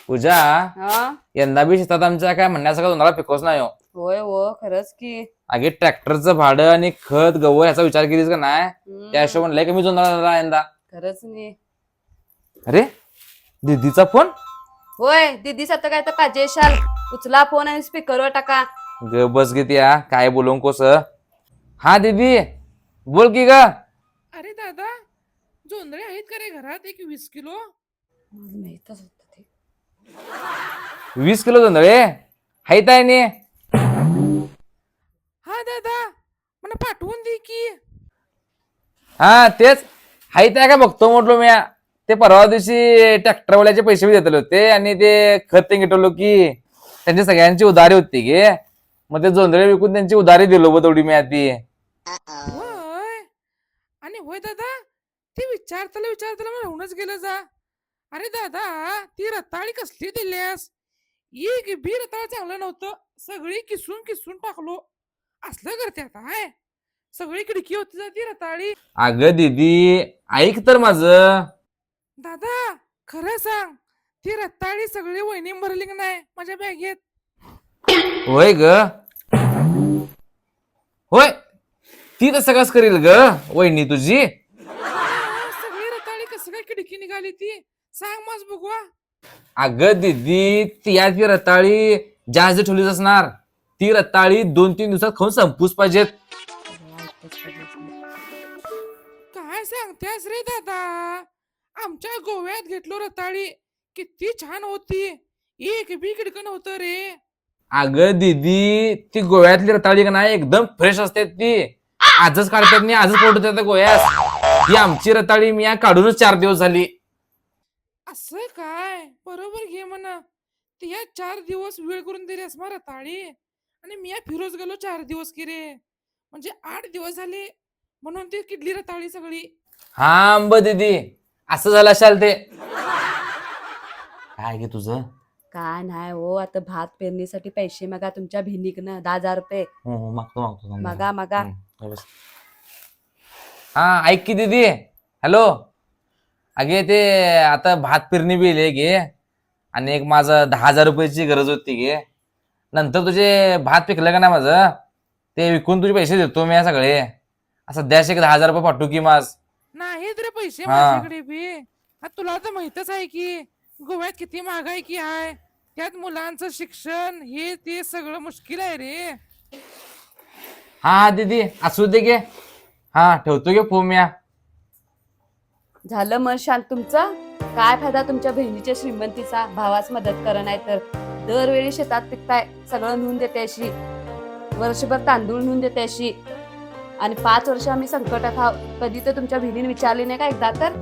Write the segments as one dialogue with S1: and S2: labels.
S1: पूजा,
S2: हा
S1: यंदा बी शेतात आमच्या काय म्हणण्याचं का तुम्हाला पिकोच नाही हो.
S2: होय हो खरंच की.
S1: अगे ट्रॅक्टरचं भाडं आणि खत गवळ याचा विचार केलीस का नाही? त्या
S2: हम्म,
S1: हिशोबाने लय कमी जोडणार यंदा.
S2: खरंच नाही.
S1: अरे दीदीचा फोन.
S2: होय दीदी सत काय तर काजेशाल उचला फोन आणि स्पीकरवर टाका.
S1: ग बस घेते या काय बोलू कोस. हा दीदी बोल की ग.
S3: अरे दादा, जोंधळे आहेत का रे घरात? एक 20 किलो.
S2: मला माहीतच होतं ते.
S1: 20 किलो जोंधळे हायत आहे नी.
S3: हा दादा, मला पाठवून दे की.
S1: हा तेच हायत आहे का बघतो म्हटलो मी. ते परवा दिवशी ट्रॅक्टरवाल्याचे पैसे बी देतले होते आणि ते खत ते घेतलो की त्यांची सगळ्यांची उधारी होती गे. मग ते जोंधळे विकून त्यांची उधारी दिलो बघ तेवढी मी आधी.
S3: होय. आणि होय दादा, ते विचारताना मला होऊनच गेलं जा. अरे दादा, ती रताळी कसली दिल्यास? एक बी रताळ चांगलं नव्हतं. सगळी किसून किसून टाकलो. असलं करते आता हाय. सगळी खिडकी होती जा ती रताळी.
S1: अगं दीदी ऐक तर माझं.
S3: दादा, खरं सांग, ती रताळी सगळी वहिनी भरली की नाही माझ्या बॅगेत?
S1: होय ग. होय ती तसं कस करील ग वहिनी तुझी.
S3: सगळी रताळी कसं काय खिडकी निघाली ती? सांग माझ बघवा.
S1: अगं दीदी ती रताळी जास्त ठेवलीच असणार. ती रताळी 2-3 दिवसात खाऊन संपूच पाहिजेत.
S3: काय सांगतेस रे दादा? आमच्या गोव्यात घेतलो रताळी, किती छान होती. एक बी खिडकं नव्हतं रे.
S1: अगं दीदी ती गोव्यातली रताळी का नाही एकदम फ्रेश असते ती. आजच काढतात नाही आजच पोटतात गोव्यास. ती आमची रताळी मी काढूनच 4 दिवस झाली.
S3: असं काय? बरोबर घे म्हणा. ती या 4 दिवस वेळ करून दिलीस मग रताळी. आणि मी फिरोज गेलो 4 दिवस की रे. म्हणजे 8 दिवस झाले. म्हणून ती किडली रताळी सगळी.
S1: हा अंब दीदी असं झालं असाल ते. काय घे तुझं.
S2: काय नाही हो, आता भात पेरणीसाठी पैसे मागा तुमच्या भिनीकनं 10,000 रुपये.
S1: हो मागतो
S2: मागा मागा.
S1: हा ऐक की दीदी. हॅलो. अगे ते आता भात पेरणी बी येईल गे. आणि एक माझं 10,000 रुपयाची गरज होती गे. नंतर तुझे भात पिकलं का नाही माझं ते विकून तुझे पैसे देतो मी सगळे. सध्याच एक 10,000 रुपये पाठवू की माझ.
S3: नाहीत रे पैसे
S1: हा.
S3: माझ्याकडे बी. आता तुला तर माहितच आहे की गोव्यात किती महागाई की आहे. त्यात मुलांचं शिक्षण हे ते सगळं मुश्किल आहे रे.
S1: हा दीदी असू दे गे. हा ठेवतो गे फोन मी.
S2: झालं मन शांत तुमचं. काय फायदा तुमच्या बहिणीच्या श्रीमंतीचा, भावास मदत करा नाही तर. दरवेळी शेतात पिकताय सगळं नेऊन देते अशी. वर्षभर तांदूळ नेऊन देते अशी. आणि 5 वर्ष आम्ही संकटात आहोत. कधी तर तुमच्या बहिणीने विचारली नाही का एकदा तर?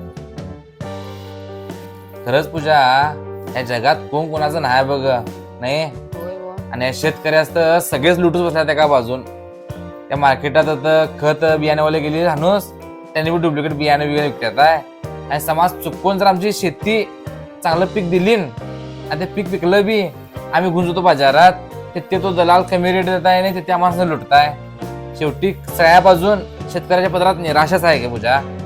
S1: खरंच पूजा या जगात कोण कोणाचं नाही बघ नाही.
S2: होय हो.
S1: आणि या शेतकऱ्यास तर सगळेच लुटूच बसल्यात एका बाजून. त्या मार्केटात आता खत बियाणेवाले गेले राहणूस त्यांनी बी डुप्लिकेट बियाणे वगैरे विकतात आहे. आणि समाज चुकून जर आमची शेती चांगलं पीक दिली आणि ते पीक विकलं बी आम्ही घेऊन जातो बाजारात ते तो दलाल कमी रेट देत आहे नाही ते त्या माणसाला लुटताय. शेवटी सगळ्या बाजून शेतकऱ्याच्या पदरात निराशाच आहे का पूजा.